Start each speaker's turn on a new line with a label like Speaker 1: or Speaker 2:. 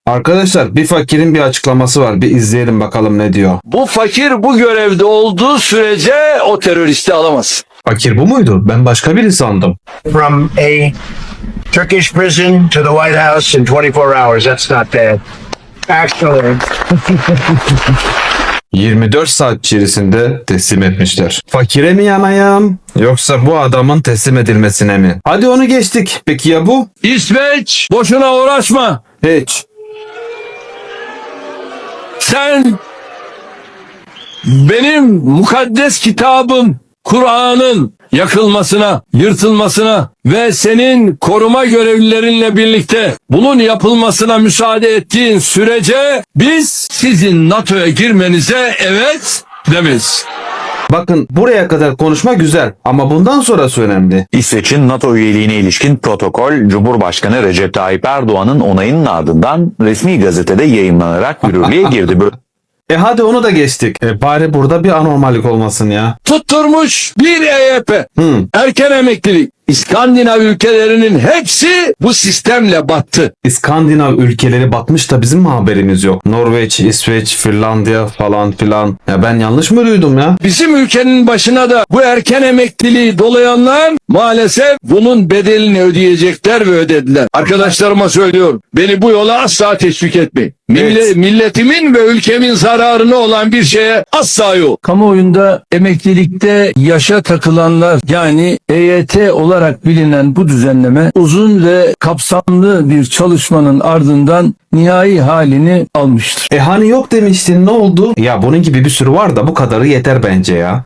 Speaker 1: Arkadaşlar bir fakirin bir açıklaması var. Bir izleyelim bakalım ne diyor.
Speaker 2: Bu fakir bu görevde olduğu sürece o teröristi alamaz.
Speaker 1: Fakir bu muydu? Ben başka biri sandım.
Speaker 3: From a Turkish prison to the White House in 24 hours. That's not bad. Actually,
Speaker 1: 24 saat içerisinde teslim etmişler. Fakire mi yanayım yoksa bu adamın teslim edilmesine mi? Hadi onu geçtik. Peki ya bu?
Speaker 2: İsveç, boşuna uğraşma.
Speaker 1: Hiç.
Speaker 2: Sen benim mukaddes kitabım Kur'an'ın yakılmasına, yırtılmasına ve senin koruma görevlilerinle birlikte bunun yapılmasına müsaade ettiğin sürece biz sizin NATO'ya girmenize evet demeyiz.
Speaker 1: Bakın buraya kadar konuşma güzel ama bundan sonrası önemli.
Speaker 4: İsveç'in NATO üyeliğine ilişkin protokol, Cumhurbaşkanı Recep Tayyip Erdoğan'ın onayının ardından resmi gazetede yayımlanarak yürürlüğe girdi.
Speaker 1: Hadi onu da geçtik. Bari burada bir anormallik olmasın ya.
Speaker 2: Tutturmuş bir EYP, erken emeklilik. İskandinav ülkelerinin hepsi bu sistemle battı.
Speaker 1: İskandinav ülkeleri batmış da bizim mi haberimiz yok? Norveç, İsveç, Finlandiya falan filan. Ya ben yanlış mı duydum ya?
Speaker 2: Bizim ülkenin başına da bu erken emekliliği dolayanlar maalesef bunun bedelini ödeyecekler ve ödediler. Arkadaşlarıma söylüyorum. Beni bu yola asla teşvik etmeyin.
Speaker 1: Evet.
Speaker 2: Milletimin ve ülkemin zararına olan bir şeye asla yok. Kamuoyunda emeklilikte yaşa takılanlar yani EYT olarak bilinen bu düzenleme uzun ve kapsamlı bir çalışmanın ardından nihai halini almıştır.
Speaker 1: Hani yok demiştin, ne oldu? Ya bunun gibi bir sürü var da bu kadarı yeter bence ya.